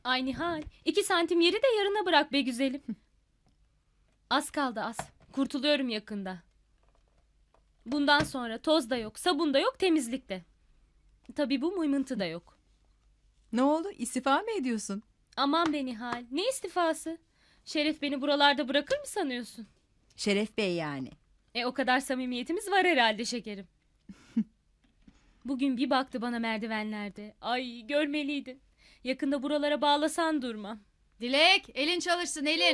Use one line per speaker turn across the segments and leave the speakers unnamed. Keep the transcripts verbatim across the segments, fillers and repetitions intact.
Ay Nihal, iki santim yeri de yarına bırak be güzelim. Az kaldı az. Kurtuluyorum yakında. Bundan sonra toz da yok, sabun da yok, temizlik de. Tabii bu mıymıntı da yok.
Ne oldu? İstifa mı ediyorsun?
Aman be Nihal, ne istifası? Şeref beni buralarda bırakır mı sanıyorsun?
Şeref Bey yani.
E o kadar samimiyetimiz var herhalde şekerim. Bugün bir baktı bana merdivenlerde. Ay görmeliydin. Yakında buralara bağlasan durmam.
Dilek, elin çalışsın elin.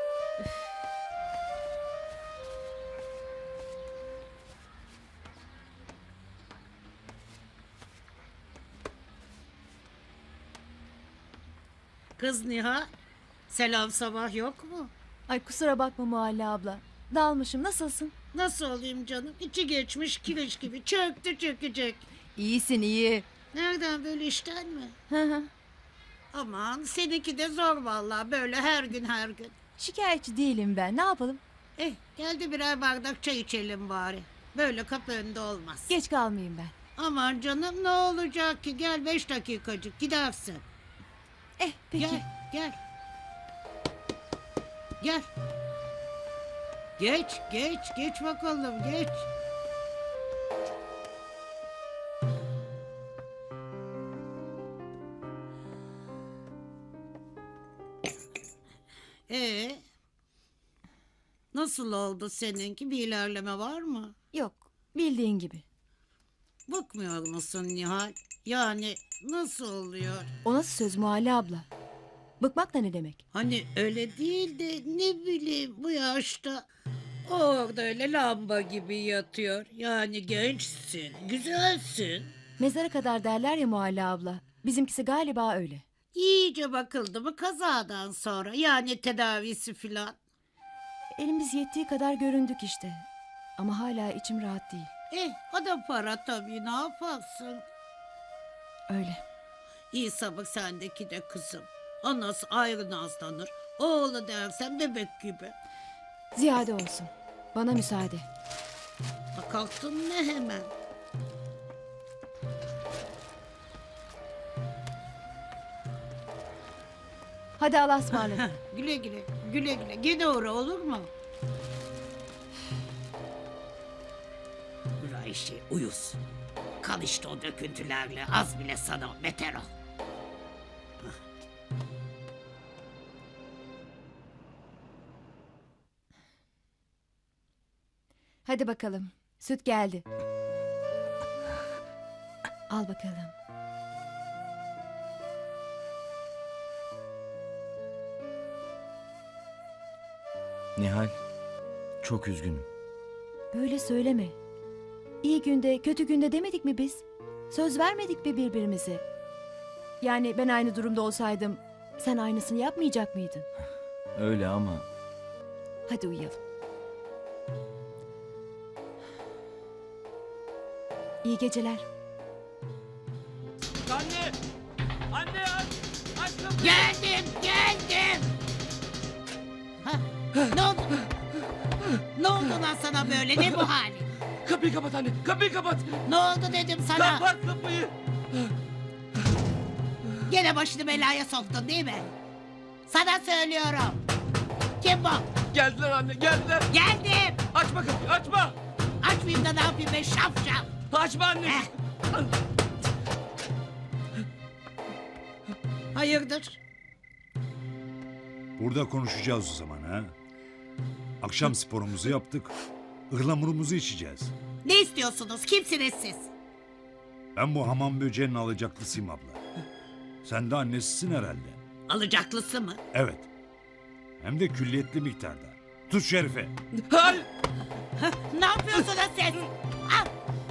Kız Nihal, selam sabah yok mu?
Ay kusura bakma Muhalle abla. Dalmışım. Nasılsın?
Nasıl olayım canım? İçi geçmiş kireç gibi çöktü çökecek.
İyisin iyi.
Nereden böyle işten mi?
Hı hı.
Aman seninki de zor vallahi böyle her gün her gün.
Şikayetçi değilim ben. Ne yapalım?
Eh geldi birer bardak çay içelim bari. Böyle kapı önünde olmaz.
Geç kalmayayım ben.
Aman canım ne olacak ki gel beş dakikacık gidersin.
Eh peki.
Gel gel. Gel. Geç geç geç bakalım geç. Ee, nasıl oldu seninki? Bir ilerleme var mı?
Yok. Bildiğin gibi.
Bıkmıyor musun Nihal? Yani nasıl oluyor?
O nasıl söz Muhalle abla? Bıkmak da ne demek?
Hani öyle değil de ne bileyim bu yaşta o orada öyle lamba gibi yatıyor. Yani gençsin, güzelsin.
Mezara kadar derler ya Muhalle abla. Bizimkisi galiba öyle.
İyice bakıldı mı kazadan sonra yani tedavisi filan.
Elimiz yettiği kadar göründük işte. Ama hala içim rahat değil.
Eh o da para tabii ne yaparsın?
Öyle.
İyi sabık sendeki de kızım. Anası ayrı nazlanır. Oğlu dersen bebek gibi.
Ziyade olsun. Bana müsaade.
Ha, kalktın ne hemen?
Hadi Allah'a ısmarladık.
Güle güle, güle güle. Gene uğra olur mu? Dur Ayşe uyuz. Kal işte o döküntülerle az bile sana beter ol.
Hadi bakalım. Süt geldi. Al bakalım.
Nihal, çok üzgünüm.
Böyle söyleme. İyi günde, kötü günde demedik mi biz? Söz vermedik mi birbirimize? Yani ben aynı durumda olsaydım sen aynısını yapmayacak mıydın?
Öyle ama
Hadi uyuyalım. İyi geceler.
Anne! Anne aç! Aç kapıyı!
Geldim, geldim. Ha, ne oldu? Ne oldu lan sana böyle? Ne bu hali?
Kapıyı kapat anne! Kapıyı kapat!
Ne oldu dedim sana?
Kapat kapıyı!
Gene başını belaya soktun değil mi? Sana söylüyorum. Kim bu?
Geldiler anne geldiler!
Geldim.
Açma kapıyı açma!
Açmayayım da ne yapayım ben şapşal.
Açma anne!
Eh. Hayırdır?
Burada konuşacağız o zaman ha. Akşam sporumuzu yaptık. Ihlamurumuzu içeceğiz.
Ne istiyorsunuz? Kimsiniz siz?
Ben bu hamam böceğinin alacaklısıyım abla. Sen de annesisin herhalde.
Alacaklısı mı?
Evet. Hem de külliyetli miktarda. Tut Şerife.
Hayır!
Ne yapıyorsunuz siz? Al.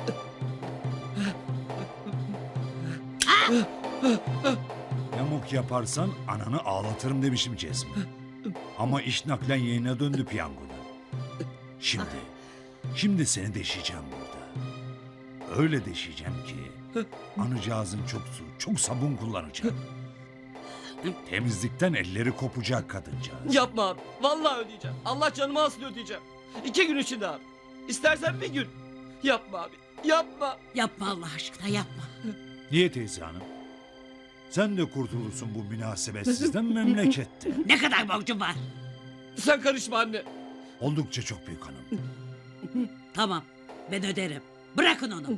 Yamuk yaparsan ananı ağlatırım demişim Cezmi. Ama iş naklen yayına döndü piyangoda. Şimdi, şimdi seni deşeceğim burada. Öyle deşeceğim ki anacağızın çok su, çok sabun kullanacak. Temizlikten elleri kopacak kadıncağız.
Yapma abi! Vallahi ödeyeceğim. Allah canımı alsın ödeyeceğim. İki gün içinde abi. İstersen bir gün. Yapma abi. Yapma.
Yapma Allah aşkına yapma.
Niye teyze hanım? Sen de kurtulursun bu münasebetsizden memlekette.
Ne kadar borcum var?
Sen karışma anne.
Oldukça çok büyük hanım.
Tamam, ben öderim. Bırakın onu.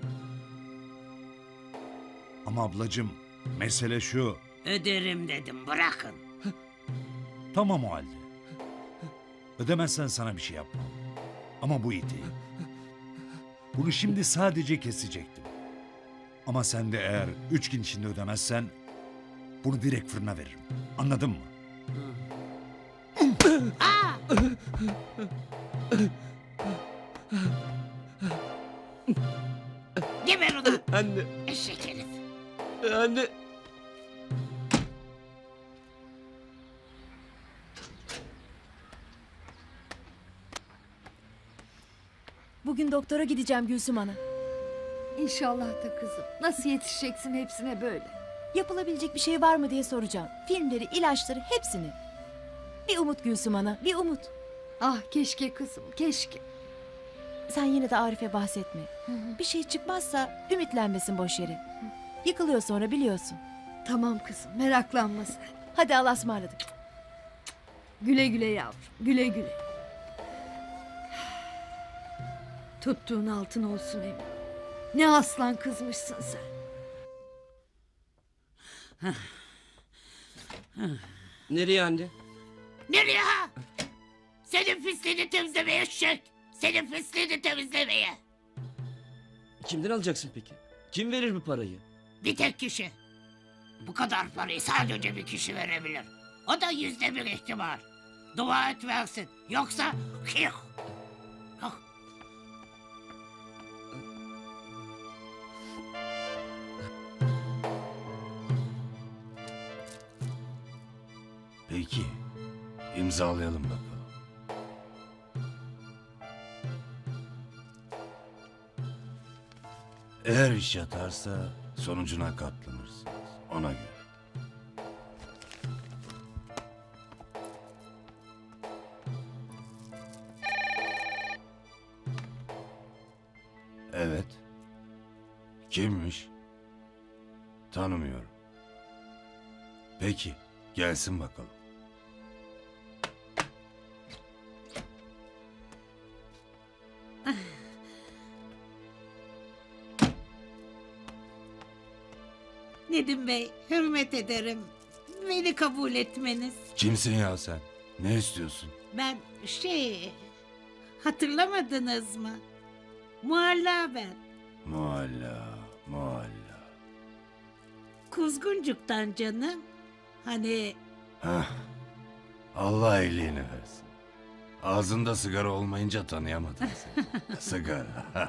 Ama ablacığım, mesele şu.
Öderim dedim, bırakın.
Tamam o halde. Ödemezsen sana bir şey yapmam. Ama bu iyi değil. Bunu şimdi sadece kesecektim. Ama sen de eğer üç gün içinde ödemezsen bunu direkt fırına veririm. Anladın mı?
Geber onu.
Anne.
Eşek herif.
Anne.
Bugün doktora gideceğim Gülsüm Ana.
İnşallah da kızım. Nasıl yetişeceksin hepsine böyle?
Yapılabilecek bir şey var mı diye soracağım. Filmleri, ilaçları hepsini. Bir umut Gülsüm Ana, bir umut.
Ah keşke kızım, keşke.
Sen yine de Arif'e bahsetme. Bir şey çıkmazsa ümitlenmesin boş yere. Yıkılıyor sonra biliyorsun.
Tamam kızım, meraklanma sen.
Hadi Allah'a ısmarladık.
Güle güle yavrum, güle güle. Tuttuğun altın olsun emin. Ne aslan kızmışsın sen.
Nereye anne?
Nereye ha? Senin pisliğini temizlemeye eşek. Senin pisliğini temizlemeye.
Kimden alacaksın peki? Kim verir bu parayı?
Bir tek kişi. Bu kadar parayı sadece bir kişi verebilir. O da yüzde bir ihtimal. Dua et versin. Yoksa... Hih. Hah.
Peki, imzalayalım bakalım. Eğer iş yatarsa sonucuna katlanırsınız. Ona göre. Evet. Kimmiş? Tanımıyorum. Peki, gelsin bakalım.
Nedim Bey, hürmet ederim. Beni kabul etmeniz.
Kimsin ya sen? Ne istiyorsun?
Ben şey... Hatırlamadınız mı? Mualla ben.
Mualla, mualla.
Kuzguncuk'tan canım. Hani
Hah, Allah iyiliğini versin. Ağzında sigara olmayınca tanıyamadım seni. Sigara.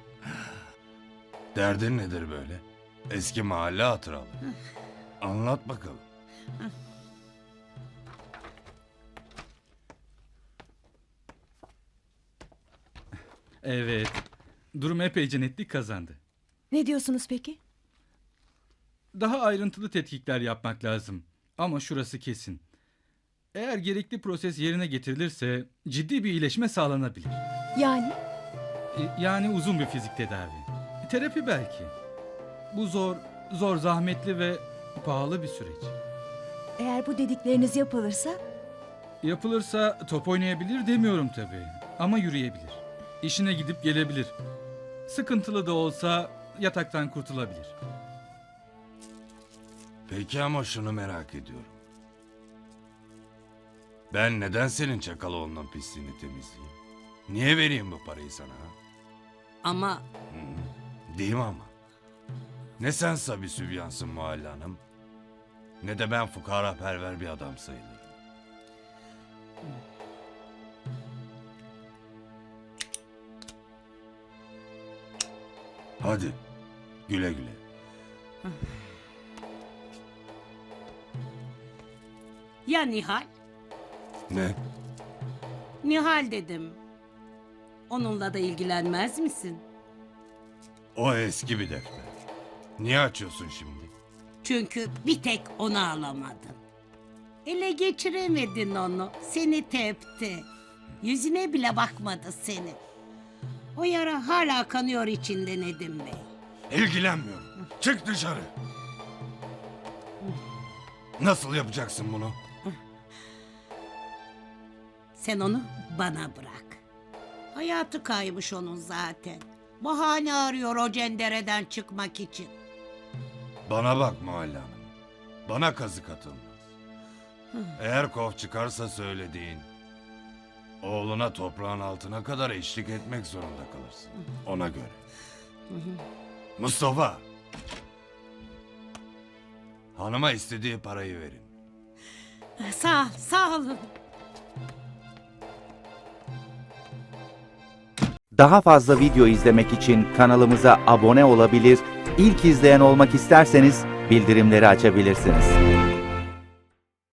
Derdin nedir böyle? Eski mahalle hatıralı. Anlat bakalım.
Evet. Durum epeyce netlik kazandı.
Ne diyorsunuz peki?
Daha ayrıntılı tetkikler yapmak lazım. Ama şurası kesin. Eğer gerekli proses yerine getirilirse ciddi bir iyileşme sağlanabilir.
Yani
E, Yani uzun bir fizik tedavi. E, Terapi belki. Bu zor, zor, zahmetli ve pahalı bir süreç.
eğer bu dedikleriniz yapılırsa
Yapılırsa top oynayabilir demiyorum tabii. Ama yürüyebilir. İşine gidip gelebilir. Sıkıntılı da olsa yataktan kurtulabilir.
Peki ama şunu merak ediyorum. Ben neden senin Çakaloğlu'nun pisliğini temizleyeyim? Niye vereyim bu parayı sana? Ha?
ama
Hı, değil mi ama? Ne sen Sabi Sübyansın Muhalle Hanım, ne de ben fukara perver bir adam sayılırım. Hadi güle güle.
ya Nihal?
Ne?
Nihal dedim. Onunla da ilgilenmez misin?
O eski bir defter. Niye açıyorsun şimdi?
Çünkü bir tek onu alamadın. Ele geçiremedin onu. Seni tepti. Yüzüne bile bakmadı seni. O yara hala kanıyor içinde Nedim Bey.
İlgilenmiyorum. Çık dışarı. Nasıl yapacaksın bunu?
Sen onu bana bırak. Hayatı kaymış onun zaten. Bahane arıyor o cendereden çıkmak için.
Bana bak Muhalle Hanım. Bana kazık atılmaz. Eğer kov çıkarsa söylediğin, oğluna toprağın altına kadar eşlik etmek zorunda kalırsın. Ona göre. Mustafa! Hanıma istediği parayı verin.
Sağ, sağ olun.
Daha fazla video izlemek için kanalımıza abone olabilir, ilk izleyen olmak isterseniz bildirimleri açabilirsiniz.